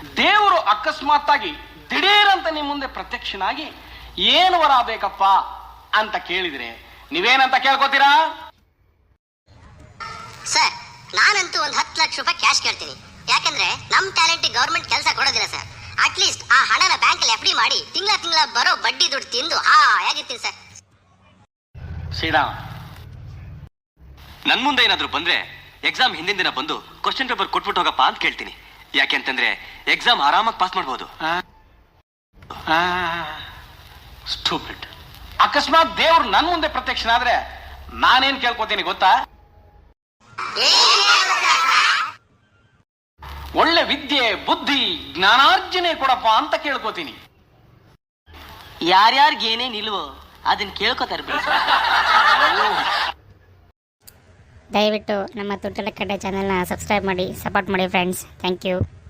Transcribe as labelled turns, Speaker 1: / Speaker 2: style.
Speaker 1: ದೇವರು ಅಕಸ್ಮಾತ್ತಾಗಿ ದಿಢೀರಂತ ನಿಮ್ಮ ಮುಂದೆ ಪ್ರತ್ಯಕ್ಷನಾಗಿ ಏನು ವರ ಬೇಕಪ್ಪ ಅಂತ ಕೇಳಿದ್ರೆ ನೀವೇನಂತ ಕೇಳ್ಕೊತೀರಾ?
Speaker 2: ಸರ್, ನಾನಂತೂ ಒಂದು 10 ಲಕ್ಷ ರೂಪಾಯಿ ಕ್ಯಾಶ್ ಕೇಳ್ತೀನಿ. ಯಾಕಂದ್ರೆ ನಮ್ ಟ್ಯಾಲೆಂಟ್ ಗವರ್ಮೆಂಟ್ ಕೆಲಸ ಕೊಡೋದಿಲ್ಲ ಸರ್. ಅಟ್ಲೀಸ್ಟ್ ಆ ಹಣನ ಬ್ಯಾಂಕ್ ಅಲ್ಲಿ ಎಫ್ಡಿ ಮಾಡಿ ತಿಂಗಳ ಬರೋ ಬಡ್ಡಿ ದುಡ್ಡು ತಿಂದು ಹೇಗಿರ್ತೀನಿ ಸರ್.
Speaker 1: ಶ್ರೀರಾಮ್,
Speaker 3: ನನ್ ಮುಂದೆ ಏನಾದ್ರು ಬಂದ್ರೆ ಎಕ್ಸಾಮ್ ಹಿಂದಿನ ದಿನ ಬಂದು ಕ್ವಶನ್ ಪೇಪರ್ ಕೊಟ್ಬಿಟ್ಟು ಹೋಗಪ್ಪ ಅಂತ ಕೇಳ್ತೀನಿ. ಯಾಕೆಂತಂದ್ರೆ ಎಕ್ಸಾಮ್ ಆರಾಮಾಗಿ ಪಾಸ್ ಮಾಡ್ಬೋದು.
Speaker 1: ಸ್ಟೂಪಿಡ್. ಅಕಸ್ಮಾತ್ ದೇವ್ರು ನನ್ ಮುಂದೆ ಪ್ರತ್ಯಕ್ಷನಾದ್ರೆ ನಾನೇನ್ ಕೇಳ್ಕೊತೀನಿ ಗೊತ್ತಾ? ಒಳ್ಳೆ ವಿದ್ಯೆ, ಬುದ್ಧಿ, ಜ್ಞಾನಾರ್ಜನೆ ಕೊಡಪ್ಪ ಅಂತ ಕೇಳ್ಕೊತೀನಿ.
Speaker 4: ಯಾರ್ಯಾರಿಗೆ ಏನೇನ್ ಇಲ್ವೋ ಅದನ್ನ ಕೇಳ್ಕೊತಾರೆ.
Speaker 5: ದಯವಿಟ್ಟು ನಮ್ಮ ತುಟ್ಟಲ ಕಡೆ ಚಾನೆಲ್ನ ಸಬ್ಸ್ಕ್ರೈಬ್ ಮಾಡಿ, ಸಪೋರ್ಟ್ ಮಾಡಿ ಫ್ರೆಂಡ್ಸ್. Thank you.